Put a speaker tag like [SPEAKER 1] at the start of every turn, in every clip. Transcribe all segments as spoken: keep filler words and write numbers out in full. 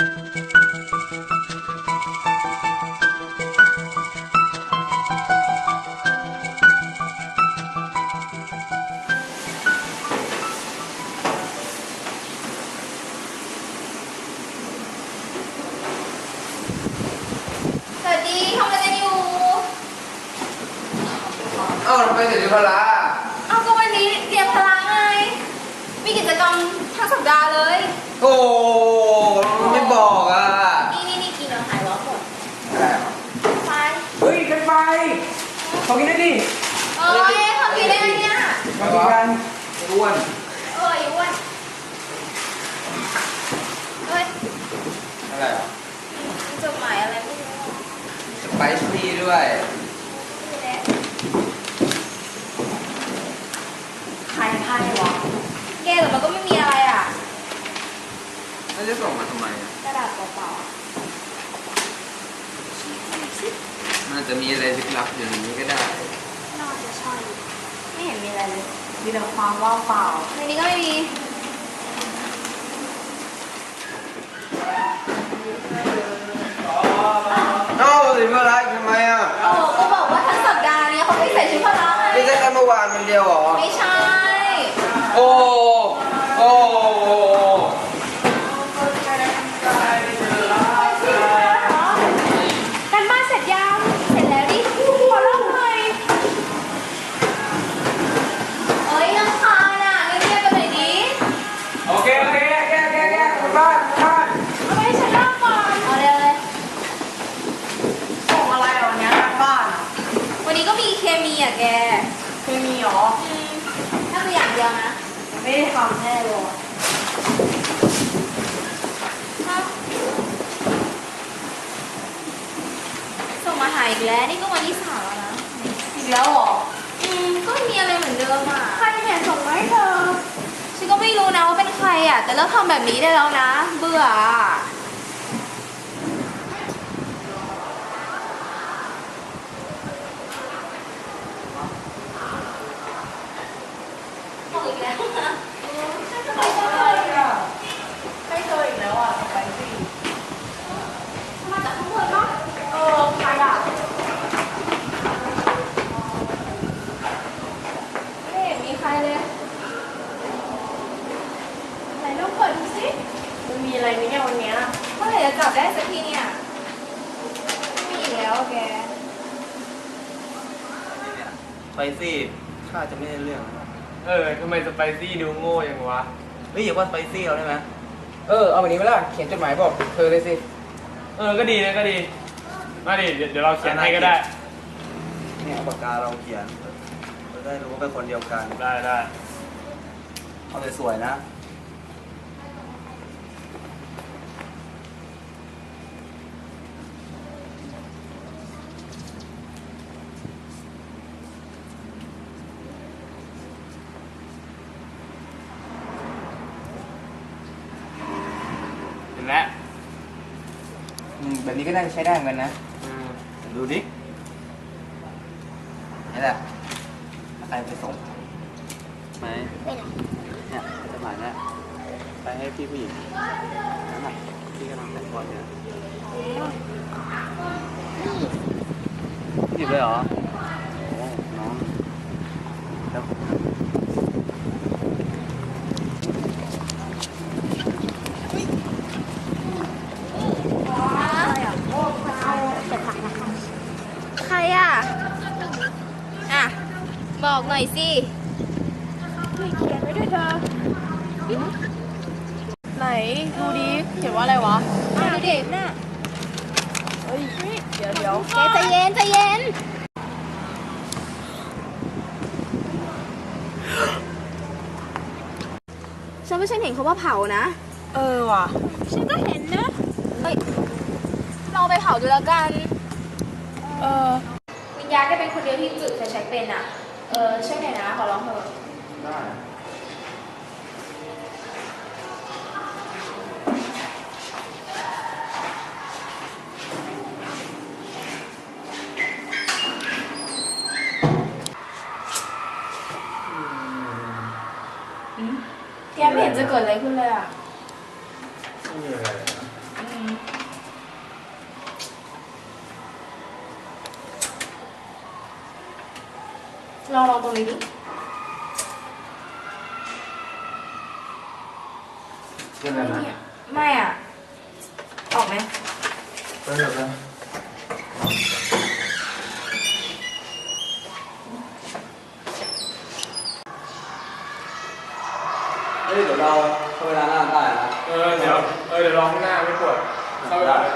[SPEAKER 1] สวัสดีทำอะไรกันอยู่
[SPEAKER 2] เอ้าทำไมถึงพละ
[SPEAKER 1] เอ้าก็วันนี้เรียนพละไงมีกิจกรรมทั้งสัปดาห์เลย
[SPEAKER 2] โอ้ไม่บอกอ่ะ
[SPEAKER 1] นี่นี่นี่กินอาหารร้อนหมด
[SPEAKER 2] อะไร
[SPEAKER 1] ไฟ
[SPEAKER 3] เฮ้ยกันไปขอกินได้ดิ
[SPEAKER 1] เอ้ยทำกินได้ไงเนี่ย
[SPEAKER 3] มากินกัน
[SPEAKER 2] อ้วน
[SPEAKER 1] เอ้ยอ้วนเฮ้ย
[SPEAKER 2] อะไรอ่ะ
[SPEAKER 1] จดหมายอะไรไม่รู้
[SPEAKER 2] สไปซี่ด้วย
[SPEAKER 1] ใครใครวะแกแต่มันก็ไม่มีอะไรอ่ะ
[SPEAKER 2] แล้วจะส่งมาทำไม
[SPEAKER 1] กระดาษเปล่า
[SPEAKER 2] ๆมันจะมีอะไรลึกลับอยู่ในนี้ก็ได้
[SPEAKER 1] น่าจะใช่ไม่เห็นมีอะไรเลยมีแต่ความว่างเปล่าในนี้ก็ไม่มี
[SPEAKER 2] เอ้าสิพละทำไมอ่ะ
[SPEAKER 1] โอ้ก็บอกว่าทั้งสัปดาห์นี้เขาไม่ใส่ชุดพละไง
[SPEAKER 2] ไม่ใช่แค่เมื่อวานมันเดียวหรอ
[SPEAKER 1] ไม่ใช่
[SPEAKER 2] โอ้โอ้
[SPEAKER 1] กันบ้านเสร็จยังเสร็จแล้วดิขอเล่าหน่อยเอ้ยน้ำคาญอ่ะเงียบๆกันหน่อยดิ
[SPEAKER 3] โอเคโอเคแกแกแกคุณบ้านบ้าน
[SPEAKER 1] เอาไปให้ฉันเล่าก่อนเอาเร็วเลย
[SPEAKER 3] ส่งอะไรวันนี้ทางบ้าน
[SPEAKER 1] วันนี้ก็มีเคมีอ่ะแก
[SPEAKER 3] เคมีหรอ
[SPEAKER 1] ถ้าตัวอย่างเดียวนะ
[SPEAKER 3] ไม่ได้ทำแน่เลย
[SPEAKER 1] ส่งมาหาอีกแล้วนี่ก็วันที่สามแล้วนะ
[SPEAKER 3] อีกแล้วหรอ
[SPEAKER 1] อืมก็มีอะไรเหมือนเดิมอ่ะ
[SPEAKER 3] ใครเนี่ยส่งมาให้เธอ
[SPEAKER 1] ฉันก็ไม่รู้นะว่าเป็นใครอ่ะแต่เลิกทำแบบนี้ได้แล้วนะเบื่อบอกอีกแล้วนะ
[SPEAKER 3] ไม่เคยอ่ะไม่เคยอีกแล้วอ่ะไปสิ
[SPEAKER 1] มาจากข้างบนปะ
[SPEAKER 3] เออใครอ่ะ
[SPEAKER 1] ไม่เห็นมีใครเลยไหนลองเปิดดูสิ
[SPEAKER 3] มันมีอะไรไหมเนี่ยวันเนี้ย
[SPEAKER 1] เมื่อไหร่จะจับได้สักทีเนี่ยไม่มีอีกแล้วแก
[SPEAKER 2] ไปสิข้าจะไม่ได้เรื่อง
[SPEAKER 4] เออทำไมสไปซี่ดูโง่ยังวะ
[SPEAKER 2] เฮ้ยอย่าว่าสไปซี่เราได้ไหม
[SPEAKER 3] เออเอาแบบนี้ไหมล่ะเขียนจดหมายบอกเธอเลยสิ
[SPEAKER 4] เออก็ดีนะก็ดีมาดิเดี๋ยวเดี๋ยวเราเขียนให้ก็ได้
[SPEAKER 2] เนี่ยปากกาเราเขียนเราได้รู้ว่าเป็นคนเดียวกัน
[SPEAKER 4] ได้ได้
[SPEAKER 2] เอาสวยๆนะ
[SPEAKER 4] เห็นแล้ว
[SPEAKER 3] อืมแบบนี้ก็น่าจะใช้ได้เหมือนกันนะ
[SPEAKER 2] ดูดินี่แหละใครไปส่งไหม
[SPEAKER 1] ไปไหน
[SPEAKER 2] เนี่ยจดหมายเนี่ยไปให้พี่ผู้หญิงนั่นแหละพี่กำลังแต่งก่อนเนี่ยหยิบเลยเหรอโอ้น้องแล้ว
[SPEAKER 1] ใครอ่ะอ่ะบอกหน่อยสิ
[SPEAKER 3] เขียนไว้ด้วยเธอไหนดูดิเขียนว่าอะไรวะ
[SPEAKER 1] อ่ะดูดิน่ะ
[SPEAKER 3] เฮ้ยเดี๋ยวเดี๋ยว
[SPEAKER 1] แกใจเย็นใจเย็นฉันไม่ใช่เห็นเขาว่าเผานะ
[SPEAKER 3] เออว่ะ
[SPEAKER 1] ฉันก็เห็นนะเฮ้ยเราไปเผาดูแล้วกัน
[SPEAKER 3] เออ
[SPEAKER 1] วิญญาณก็เป็นคนเดียวที่จุดไฟแช็กเป็นอ่ะเออช่วยหน่อยนะขอร้องเถอะ
[SPEAKER 2] ได้
[SPEAKER 1] แกไม่เห็นจะเกิดอะไรขึ้นเลยอ่ะ
[SPEAKER 2] ไม่มีอะไรนะ
[SPEAKER 1] มลองลองตรงนี้ดิ
[SPEAKER 2] เรื่องอะไรนะ
[SPEAKER 1] ไม่อ่ะ ออกไหม
[SPEAKER 2] เรื่องอะไรนะเฮ้ยเดี๋ยวเราเข้าไปร้านอาหารได้นะ
[SPEAKER 4] เออเดี๋ยวเออเดี๋ยวลองข้างหน้าไม่ปวดเข้าไปก่อนเลย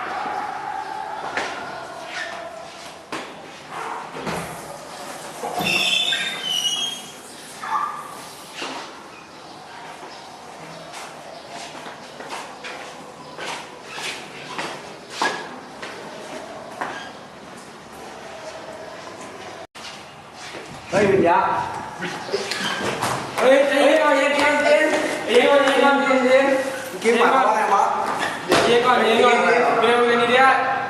[SPEAKER 2] เฮ้ยวิญญา
[SPEAKER 4] เฮ้ยเฮ้ยเอาเย็นเย็นเย็นเย็นก่อนเย็นก่อนเย็นเย็น
[SPEAKER 2] กินหมายความว่าไงวะ
[SPEAKER 4] เย็นก่อนเย็นก่อนเร็วเร็วนิดเดียว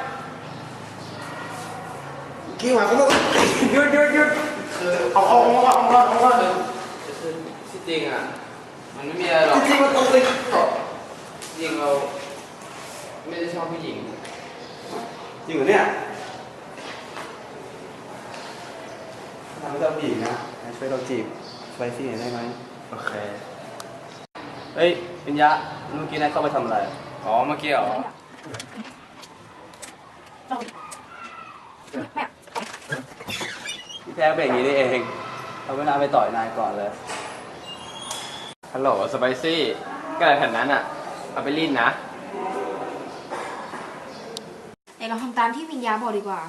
[SPEAKER 2] กินหมายความว่า
[SPEAKER 4] หยุดหยุดหยุด
[SPEAKER 2] เอาเอาเอาเอาเอาเอาเอา
[SPEAKER 5] คือที่จริงอ่ะ มันไม่มีอะไรหรอก
[SPEAKER 2] จริงๆมันตรงไป
[SPEAKER 5] จริงเราไม่ได้ชอบผู้หญิง
[SPEAKER 2] จริงเหรอเนี่ยทำให้เราผู้หญิงนะช่วยเราจีบสไปซี่หน่อยได้ไหม
[SPEAKER 4] โอเค
[SPEAKER 2] เฮ้ยวิญญาเมื่อกี้นายเข้าไปทำอะไร
[SPEAKER 5] อ๋อเมื่อกี้เหรอ
[SPEAKER 2] พี่แพ้เป็นอย่างนี้นี่เองเอาเวลาไปต่อยนายก่อนเลย
[SPEAKER 5] ฮัลโหลสไปซี่ก็อะไรแผ่นนั้นอ่ะ เอาไปรีดนะ
[SPEAKER 1] เดี๋ยวเราทำตามที่วิญญาบอกดีกว่า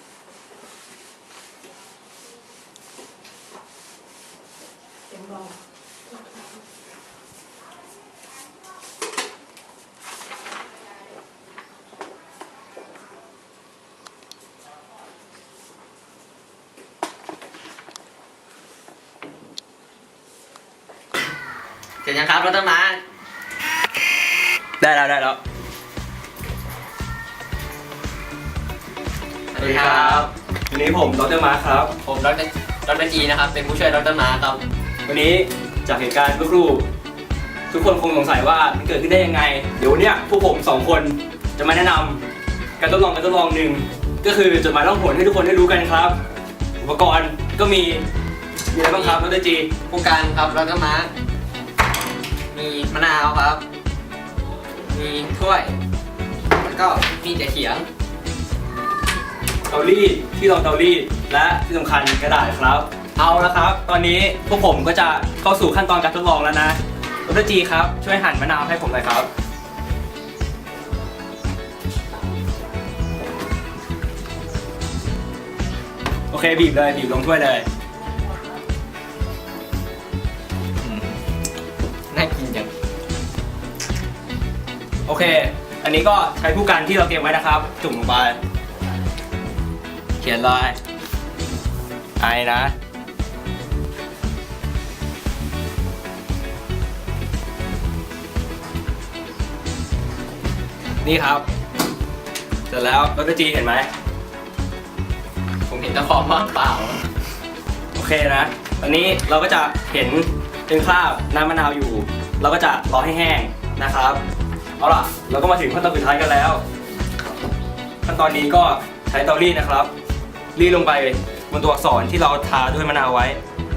[SPEAKER 5] เสร็จยังครับรถต้นไม้
[SPEAKER 2] ได้แล้วได้แล้ว
[SPEAKER 5] สวัสดีครับ
[SPEAKER 2] วันนี้ผมดรมาร์คครับ
[SPEAKER 5] ผมดรดรจีนะครับ เป็นผู้ช่วยดรมาครับ
[SPEAKER 2] วันนี้จากเหตุการณ์เมื่อครู่ทุกคนคงสงสัยว่ามันเกิดขึ้นได้ยังไง เดี๋ยววันเนี้ยพวกผมสองคนจะมาแนะนำการทดลองการทดลองหนึ่งก็คือจดหมายล่องหนให้ทุกคนได้รู้กันครับ อุปกรณ์ก็มีมีอะไรบ้างครับดรจี
[SPEAKER 5] ผู้การครับดรมามีมะนาวครับ มีถ้วย แล้วก็มีแต่เขียง
[SPEAKER 2] เตารีดที่รองเตารีดและที่สำคัญกระดาษครับ เอาละครับ ตอนนี้พวกผมก็จะเข้าสู่ขั้นตอนการทดลองแล้วนะดรจีครับช่วยหั่นมะนาวให้ผมหน่อยครับ โอเคบีบเลยบีบลงถ้วยเลย
[SPEAKER 5] น่ากินจัง
[SPEAKER 2] โอเค อันนี้ก็ใช้ผู้กันที่เราเตรียมไว้นะครับ จุ่มลงไป เขียนลายไอนะ นี่ครับ เสร็จแล้วดรจีเห็นไหม
[SPEAKER 5] ผมเห็นแตะขอบว่างเปล่า
[SPEAKER 2] โอเคนะ ตอนนี้เราก็จะเห็นเป็นคราบน้ำมะนาวอยู่ เราก็จะรอให้แห้งนะครับ เอาล่ะ เราก็มาถึงขั้นตอนสุดท้ายกันแล้ว ขั้นตอนนี้ก็ใช้เตารีดนะครับ รีดลงไปบนตัวอักษรที่เราทาด้วยมะนาวไว้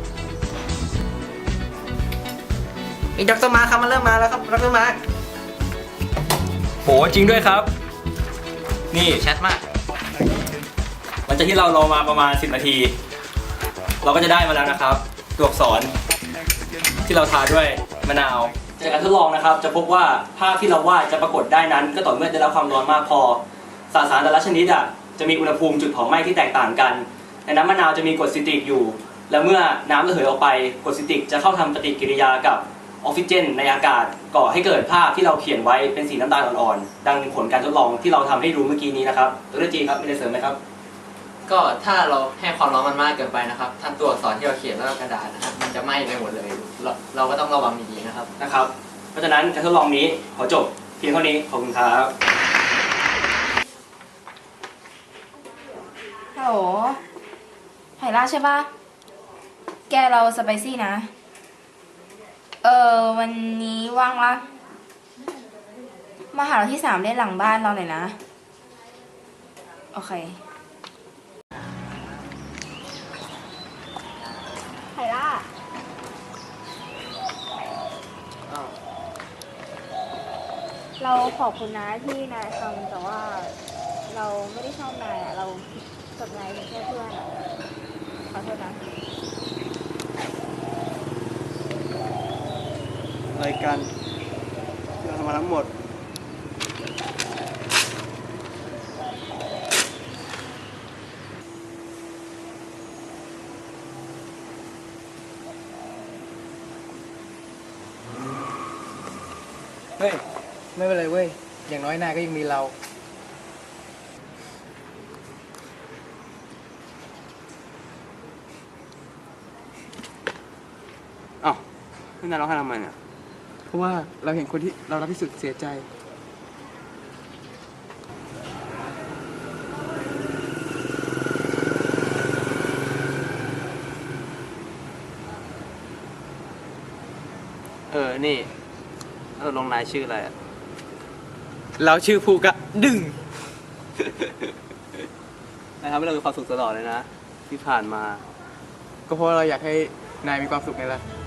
[SPEAKER 5] มีดรมาครับมาเริ่มมาแล้วครับดรมา
[SPEAKER 2] โหจริงด้วยครับ นี่
[SPEAKER 5] ชัดมาก
[SPEAKER 2] หลังจากที่เรารอมาประมาณสิบนาที เราก็จะได้มาแล้วนะครับ ตัวอักษรที่เราทาด้วยมะนาว จากการทดลองนะครับ จะพบว่าภาพที่เราวาดจะปรากฏได้นั้น ก็ต่อเมื่อได้รับความร้อนมากพอสสารแต่ละชนิดอ่ะจะมีอุณหภูมิจุดเผาไหม้ที่แตกต่างกันในน้ำมะนาวจะมีกรดซิตริกอยู่ และเมื่อน้ำระเหยออกไปกรดซิตริกจะเข้าทำปฏิกิริยากับออกซิเจนในอากาศก่อให้เกิดภาพที่เราเขียนไว้เป็นสีน้ำตาลอ่อนๆดังผลการทดลองที่เราทำให้ดูเมื่อกี้นี้นะครับดรจีครับมีอะไรเสริมไหมครับ
[SPEAKER 5] ก็ถ้าเราให้ความร้อนมันมากเกินไปนะครับทั้งตัวอักษรที่เราเขียนแล้วก็กระดาษนะครับ มันจะไหม้ไปหมดเลย เราเราก็ต้องระวังดีๆนะครับ
[SPEAKER 2] นะครับ เพราะฉะนั้นการทดลองนี้ขอจบเพียงเท่านี้ขอบคุณครับ
[SPEAKER 1] ฮัลโหลไหล่าใช่ปะแกเราสไปซี่นะ เออวันนี้ว่างปะมาหาเราที่สามได้หลังบ้านเราหน่อยนะ โอเคไผ่ล่า เราขอบคุณนะที่นายทำแต่ว่าเราไม่ได้ชอบนายอะเรากับนายเป็นแค่เพื่อนอะขอโทษนะ
[SPEAKER 6] รายการที่เราทำมาทั้งหมด
[SPEAKER 5] เฮ้ย ไม่เป็นไรเว้ย อย่างน้อยนายก็ยังมีเรา
[SPEAKER 6] อ้าวนี่นายร้องไห้ทำไมเนี่ย เพราะว่าเราเห็นคนที่เรารักที่สุดเสียใจ
[SPEAKER 5] เออ นี่เราลงนายชื่ออะไรอ่ะ เราชื่อภูกะดึง
[SPEAKER 6] นายทำให้เรามีความสุขตลอดเลยนะ ที่ผ่านมา ก็เพราะเราอยากให้นายมีความสุขไงล่ะ